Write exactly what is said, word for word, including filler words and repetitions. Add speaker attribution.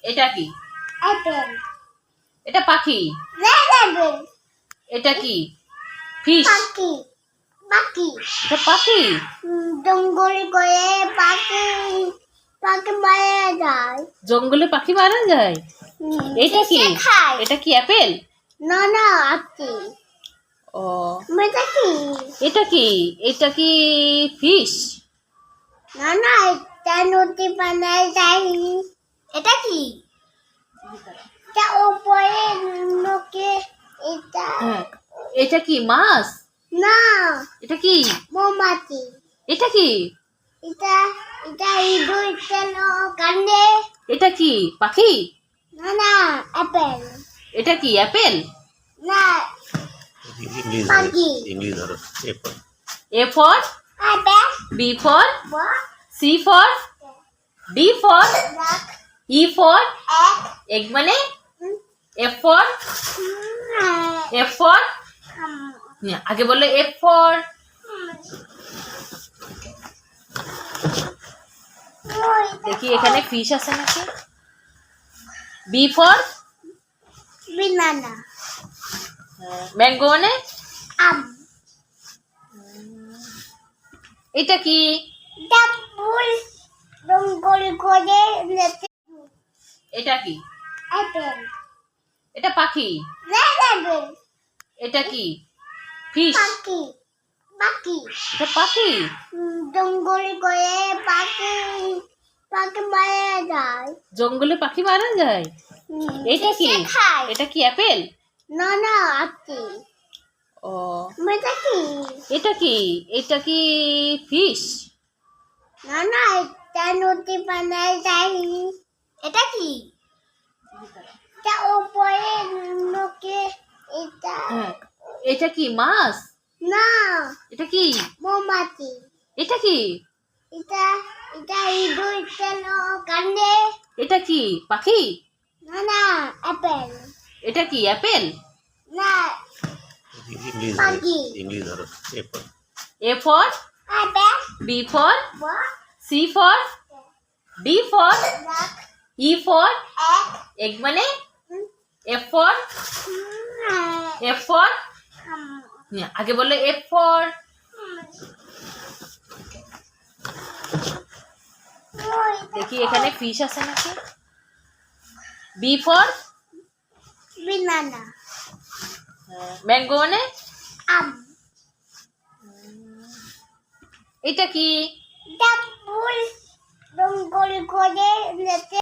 Speaker 1: এটা কি?
Speaker 2: অ্যাপেল।
Speaker 1: এটা পাখি।
Speaker 2: Red apple.
Speaker 1: এটা কি? ফিশ।
Speaker 2: পাখি। পাখি।
Speaker 1: এটা পাখি।
Speaker 2: জঙ্গলে করে পাখি পাখি মারা যায়।
Speaker 1: জঙ্গলে পাখি মারা যায়। এটা কি? এটা কি অ্যাপেল?
Speaker 2: না না আপনি।
Speaker 1: ও
Speaker 2: এটা কি?
Speaker 1: এটা কি? এটা কি ফিশ?
Speaker 2: না না এটা নদী বানায় যায়। এটা কি? এটা উপরে লোকে এটা।
Speaker 1: হ্যাঁ এটা কি মাছ?
Speaker 2: না
Speaker 1: এটা কি?
Speaker 2: মৌমাছি।
Speaker 1: এটা কি?
Speaker 2: এটা এটা ইঁদুর তেল কান্দে।
Speaker 1: এটা কি পাখি?
Speaker 2: না না অ্যাপেল।
Speaker 1: এটা কি অ্যাপেল?
Speaker 2: না
Speaker 3: इंग्लिश
Speaker 2: पाखी।
Speaker 3: इंग्लिश धरो ए for
Speaker 1: A for
Speaker 2: apple.
Speaker 1: B for
Speaker 2: বক
Speaker 1: C for D for
Speaker 2: ডাক
Speaker 1: E for
Speaker 2: এক
Speaker 1: egg মানে F for F for না, আগে বললো F for দেখি এখানে ফিশ আছে নাকি। B for
Speaker 2: বিনানা
Speaker 1: ম্যাঙ্গো মানে
Speaker 2: আম।
Speaker 1: এটা কি?
Speaker 2: এটা ফুল জঙ্গল করে লেতে।
Speaker 1: এটা কি?
Speaker 2: অ্যাপেল।
Speaker 1: এটা পাখি।
Speaker 2: Red apple.
Speaker 1: এটা কি? ফিশ।
Speaker 2: পাখি। পাখি।
Speaker 1: এটা পাখি।
Speaker 2: জঙ্গল করে পাখি পাখি মারা যায়।
Speaker 1: জঙ্গলে পাখি মারা যায়। এটা কি?
Speaker 2: খায়।
Speaker 1: এটা কি অ্যাপেল?
Speaker 2: না না আপনি।
Speaker 1: ও
Speaker 2: এটা কি?
Speaker 1: এটা কি? এটা কি ফিশ?
Speaker 2: না না এটা নদী বানায় যায়। এটা কি? এটা উপরে লোকে এটা।
Speaker 1: হ্যাঁ এটা কি মাছ?
Speaker 2: না
Speaker 1: এটা কি?
Speaker 2: মৌমাছি।
Speaker 1: এটা কি?
Speaker 2: এটা এটা ইঁদুর তেল কান্দে।
Speaker 1: এটা কি পাখি?
Speaker 2: না না অ্যাপেল।
Speaker 1: এটা কি অ্যাপেল?
Speaker 2: না
Speaker 3: इंग्लिश
Speaker 2: पाखी।
Speaker 3: इंग्लिश धरो ए for
Speaker 1: A for
Speaker 2: apple.
Speaker 1: B for
Speaker 2: বক
Speaker 1: C for D for
Speaker 2: ডাক
Speaker 1: E for
Speaker 2: এক
Speaker 1: egg মানে F for F for না, আগে বললো F for দেখি এখানে ফিশ আছে নাকি। B for
Speaker 2: বিনানা
Speaker 1: ম্যাঙ্গো মানে
Speaker 2: আম।
Speaker 1: এটা কি?
Speaker 2: এটা ফুল জঙ্গল করে লেতে।